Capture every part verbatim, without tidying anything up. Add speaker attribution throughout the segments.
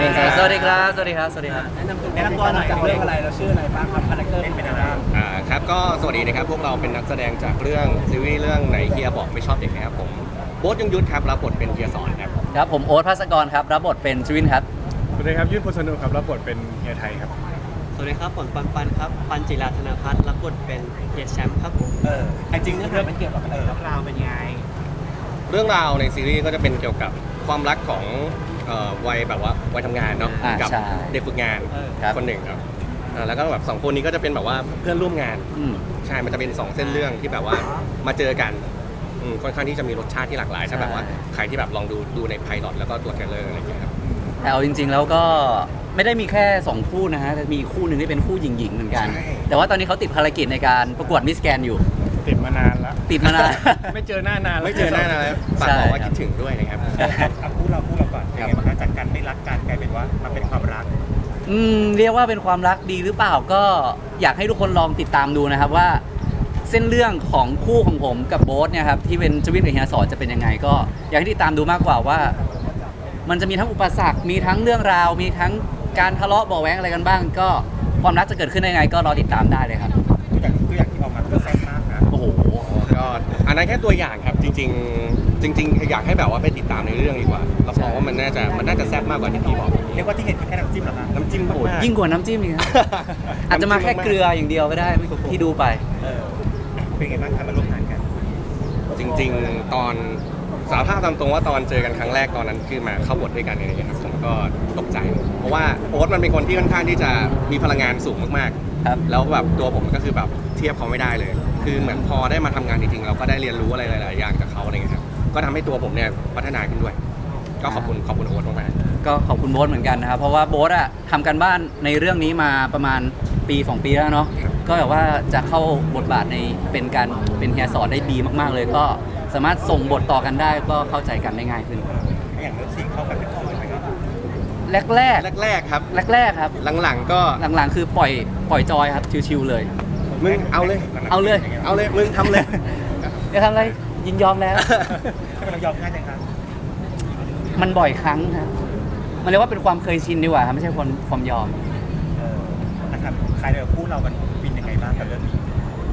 Speaker 1: สวัสดีครับสวัสดีครับสวัสดีครับ
Speaker 2: แนะนำแนะนำตัวหน่อยจากเรื่องอะไรเราชื่ออะไรบ้างครับคาแรคเตอร์เป็นอะไรบ้าง
Speaker 3: อ่าครับก็สวัสดีนะครับพวกเราเป็นนักแสดงจากเรื่องซีรีส์เรื่องไหนเฮียบอกไม่ชอบเด็กนะครับผมโบ๊ทยงยุทธครับรับบทเป็นเฮียสอนครับ
Speaker 1: ครับผมโอ๊ตภัสกรครับรับบทเป็นชวินครับ
Speaker 4: สวัสดีครับยุทธพลสนุกครับรับบทเป็นเฮียไทยครับ
Speaker 5: สวัสดีครับผมปันปันครับปันจิราธนาพัฒน์รับบทเป็นเฮียแชมป์ครับผม
Speaker 2: เออจริงเรื่องมันเกี่ยวกับอะไรครับราวเป็นไง
Speaker 3: เรื่องราวในซีรีส์ก็จะเป็นเกี่ยวกับความรักของเอ่อวัยแบบว่าวัยทำงานเนาะกัเด็กฝึกงานคนหนึ่งครับอ่าแล้วก็แบบสองคนนี้ก็จะเป็นแบบว่าเพื่อนร่วมงานใช่มันจะเป็นสองเส้นเรื่องที่แบบว่ามาเจอกันอืมค่อนข้างที่จะมีรสชาติที่หลากหลายถ้าแบบว่าใครที่แบบลองดูดูในไพลอตแล้วก็ตัวเทรลเลอร์อะไรอย่างเงี้ยครับ
Speaker 1: แต่เอาจริงๆแล้วก็ไม่ได้มีแค่สองคู่นะฮะแต่มีคู่หนึ่งที่เป็นคู่หญิงๆเหมือนกันแต่ว่าตอนนี้เขาติดภารกิจในการประกวดมิสแกรนด์อยู่
Speaker 4: ติดมานานแล้ว
Speaker 1: ติดมานาน
Speaker 4: ไม่เจอหน้านาน
Speaker 3: ไม่เจอหน้านานแล้วฝากบอกว่าคิดถึงด้วยนะครับ
Speaker 2: เอาคู่เราคู่เราก่อนเป็นไงบ้างจากกันไม่รักกันกลายเป็นว่ามันเป็นความรัก
Speaker 1: อืมเรียกว่าเป็นความรักดีหรือเปล่าก็อยากให้ทุกคนลองติดตามดูนะครับว่าเส้นเรื่องของคู่ของผมกับโบ๊ทเนี่ยครับที่เป็นชวินกับเฮียสอนจะเป็นยังไงก็อยากให้ติดตามดูมากกว่าว่ามันจะมีทั้งอุปสรรคมีทั้งเรื่องราวมีทั้งการทะเลาะเบาะแว้งอะไรกันบ้างก็ความรักจะเกิดขึ้นได้ยังไงก็รอติดตามได้เลยครับ
Speaker 2: ตัวอย่างตัวอย่างที่ออกมาคือแซ่บมากนะ
Speaker 1: โอ้โห
Speaker 3: ก็อันนั้นแค่ตัวอย่างครับจริงๆจริงๆอยากให้แบบว่าไปติดตามในเรื่องดีกว่าเราบอกว่ามันน่าจะมันน่าจะแซ่บมากกว่าที่พี่บอก
Speaker 2: เรียกว่าที่เห็นคือแค่น้ำจิ้มเหรอครับ
Speaker 3: น้ำจิ้มโอ้
Speaker 1: ยิ่งกว่าน้ำจิ้มอีกอาจจะมาแค่เกลืออย่างเดียวก็ได้ที่ดูไป
Speaker 2: เออเป็นไงบ้างครับมาร่วมงานกัน
Speaker 3: จริงๆตอนสารภาพตามตรงว่าตอนเจอกันครั้งแรกตอนนั้นคือมาเข้าบทด้วยกันอะไรอย่างเงี้ยครับผมก็ตกใจเพราะว่าโอ๊ตมันเป็นคนที่ค่อนข้างที่จะมีพลังงานสูงมากๆครับแล้วแบบตัวผมก็คือแบบเทียบเขาไม่ได้เลยคือเหมือนพอได้มาทำงานจริงๆเราก็ได้เรียนรู้อะไรหลายๆอย่างจากเขาอะไรเงี้ยครับก็ทำให้ตัวผมเนี่ยพัฒนาขึ้นด้วยก็ขอบคุณขอบคุณโอ๊ตมาก
Speaker 1: ๆก็ขอบคุณโบ๊ทเหมือนกันนะครับเพราะว่าโบ๊ทอะทำกันบ้านในเรื่องนี้มาประมาณปีสองปีแล้วเนาะก็แบบว่าจะเข้าบทบาทในเป็นการเป็นเฮียสอนได้ดีมากๆเลยก็สามารถส่งบทต่อกันได้ก็เข้าใจกันได้ง่ายขึ้น
Speaker 2: อย่างเลิฟซีนเข้ากันเป็นคู่เลยไหมครับ
Speaker 1: แรกแรก
Speaker 3: แรกๆครับ
Speaker 1: แรกๆครับ
Speaker 3: หลังๆก็
Speaker 1: หลังๆคือปล่อยปล่อยจอยครับชิวๆเลย
Speaker 3: มึงเอาเลย
Speaker 1: เอาเลย
Speaker 3: เอาเลยมึงทำเลย
Speaker 1: จะทำอะไรยินยอมแล้ว
Speaker 2: เรายอมง่ายจังครับ
Speaker 1: มันบ่อยครั้งครับมันเรียกว่าเป็นความเคยชินดีกว่าครับไม่ใช่ความความยอม
Speaker 2: นะครับใครเดี๋ยวคู่เรากันฟินยังไงบ้างกับเรื่องนี้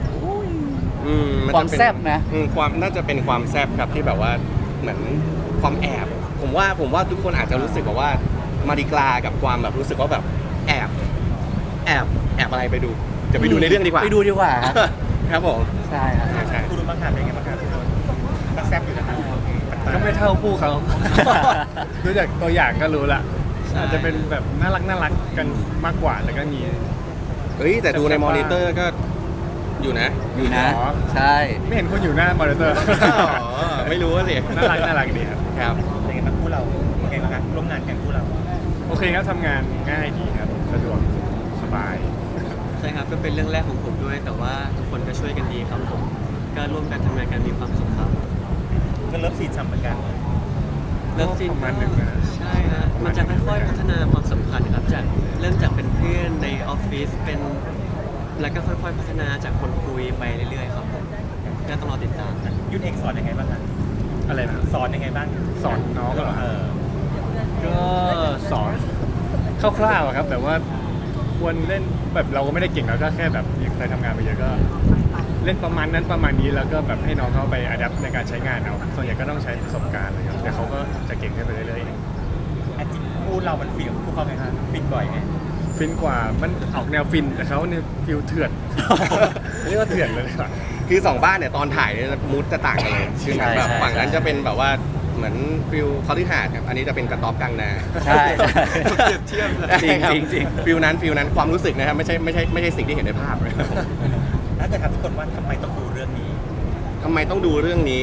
Speaker 1: ความแซ่บนะ
Speaker 3: ความน่าจะเป็นความแซ่บครับที่แบบว่าเหมือนความแอบผมว่าผมว่าทุกคนอาจจะรู้สึกแบบว่ามาดิกลากับความแบบรู้สึกว่าแบบแอบแอบแอบอะไรไปดูจะไปดูในเรื่องดีกว่า
Speaker 1: ไปดูดีกว่าครับ
Speaker 3: ครับผม
Speaker 1: ใช่ครับ
Speaker 3: ใช่
Speaker 2: คู่รู้บ้างครับเป็นไงบ้างครับก็แซ่บอยู่นะครับ
Speaker 4: ก็ไม่เท่าคู่เขาดูจากตัวอย่างก็รู้ละอาจจะเป็นแบบน่ารักน่ารักกันมากกว่าแต่ก็มี
Speaker 3: เฮ้ยแต่ดูในมอนิเตอร์ก็อยู่นะ
Speaker 1: อยู่นะใช่
Speaker 4: ไม่เห็นคนอยู่หน้ามอนิเตอร์
Speaker 3: ไม่รู้สิ
Speaker 4: น่ารักน่ารักดีครับ
Speaker 3: ครับ
Speaker 2: เป็นไงบ้างคู่เราเป็นไงบ้างครับร่วมงานกันคู่เรา
Speaker 4: โอเคครับทำงานง่ายดีครับสะดวกสบาย
Speaker 5: ใช่ครับก็เป็นเรื่องแรกของผมด้วยแต่ว่าทุกคนก็ช่วยกันดีครับผมก็ร่วมกันทำงานกันมีความสุขครับ
Speaker 2: ก็เลิฟซีนซ้ำเหมือนกัน
Speaker 5: เลิฟซีน
Speaker 4: ประมาณหนึ่งนะ
Speaker 5: ใช่ฮะมันจะค่อยๆพัฒนาความสัมพันธ์ครับจากเริ่มจากเป็นเพื่อนในออฟฟิศเป็นแล้วก็ค่อยๆพัฒนาจากคนคุยไปเรื่อยๆครับผมก็ต้องรอติดตาม
Speaker 2: ยุทธเอกสอนยังไงบ้างครับ
Speaker 4: อะไรนะ
Speaker 2: สอนยังไงบ้าง
Speaker 4: สอนน้องเหรอ
Speaker 2: เออ
Speaker 4: ก็สอนคร่าวๆครับแต่ว่าควรเล่นแบบเราก็ไม่ได้เก่งเราก็แค่แบบเคยทำงานมาเยอะก็เล่นประมาณนั้นประมาณนี้แล้วก็แบบให้น้องเขาไปอัดแอปในการใช้งานเอาส่วนใหญ่ก็ต้องใช้ประสบการณ์เลยครับแต่เขาก็จะเก่งขึ้นไปเรื่อย
Speaker 2: ๆอาจริงคู่เรามันฟินกับคู่เขาไหมครับฟินบ่อยไหม
Speaker 4: ฟินกว่ามันออกแนวฟินแต่เขาเนี่ยฟิลเถื่อนเรียกว่าเถื่อนเลยครับ
Speaker 3: คือสองบ้านเนี่ยตอนถ่ายเนี่ยมูดจะต่างกันเลยคือแบบฝั่งนั้นจะเป็นแบบว่าเหมือนฟิลคอร์ดิหาดครับอันนี้จะเป็นกระต๊อบกลางนา
Speaker 1: ใช่
Speaker 3: เทียบ
Speaker 1: จริงจริงจริง
Speaker 3: ฟิลนั้นฟิลนั้นความรู้สึกนะครับไม่ใช่ไม่ใช่ไม่ใช่สิ่งที่เห็นในภาพเลย
Speaker 2: ถ้าเกิดถามทุกคนว่าทำไมต้องดูเรื่องนี้
Speaker 3: ทำไมต้องดูเรื่องนี้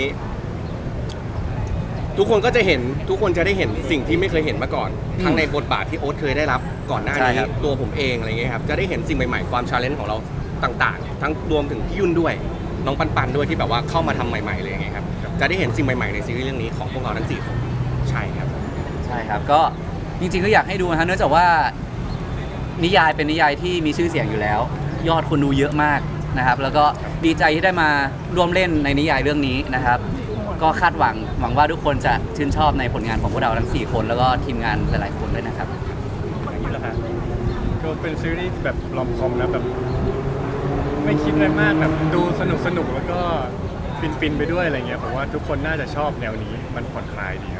Speaker 3: ทุกคนก็จะเห็นทุกคนจะได้เห็นสิ่งที่ไม่เคยเห็นมาก่อนทั้งในบทบาทที่โอ๊ตเคยได้รับก่อนหน้านี้ตัวผมเองอะไรเงี้ยครับจะได้เห็นสิ่งใหม่ๆความชาเลนจ์ของเราต่างๆทั้งรวมถึงพี่ยุ่นด้วยน้องปันปันด้วยที่แบบว่าเข้ามาทำใหม่ๆเลยไงครับจะได้เห็นสิ่งใหม่ๆในซีรีส์เรื่องนี้ของพวกเราทั้งสี่คนใช่ครับ
Speaker 1: ใช่ครับก็จริงๆก็อยากให้ดูนะฮะเนื่องจากว่านิยายเป็นนิยายที่มีชื่อเสียงอยู่แล้วยอดคนดูเยอะมากนะครับแล้วก็ดีใจที่ได้มาร่วมเล่นในนิยายเรื่องนี้นะครับก็คาดหวังหวังว่าทุกคนจะชื่นชอบในผลงานของพวกเราทั้งสี่คนแล้วก็ทีมงานหลายๆคนด้วยนะครับ
Speaker 4: เป็นซีรีส์แบบรอมคอมนะแบบ ไม่คิดอะไรมากแบบดูสนุกสนุกแล้วก็ฟินฟินๆไปด้วยอะไรเงี้ยผมว่าทุกคนน่าจะชอบแนวนี้มันผ่อนคลายดีครับ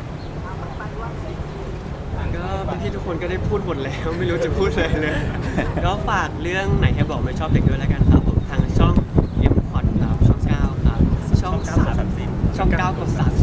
Speaker 5: ก็พี่ๆทุกคนก็ได้พูดหมดแล้ว ไม่รู้จะพูดอะไรเลย ก็ฝากเรื่องไหนให้บอกไม่ชอบเด็กด้วยแล้วกันครับผมทางช่อง M พอดครับช่องเก้าครับช่อง
Speaker 2: ช่องเก้า
Speaker 5: สาม
Speaker 2: สามสิบ
Speaker 5: ช่องเก้ากับสาม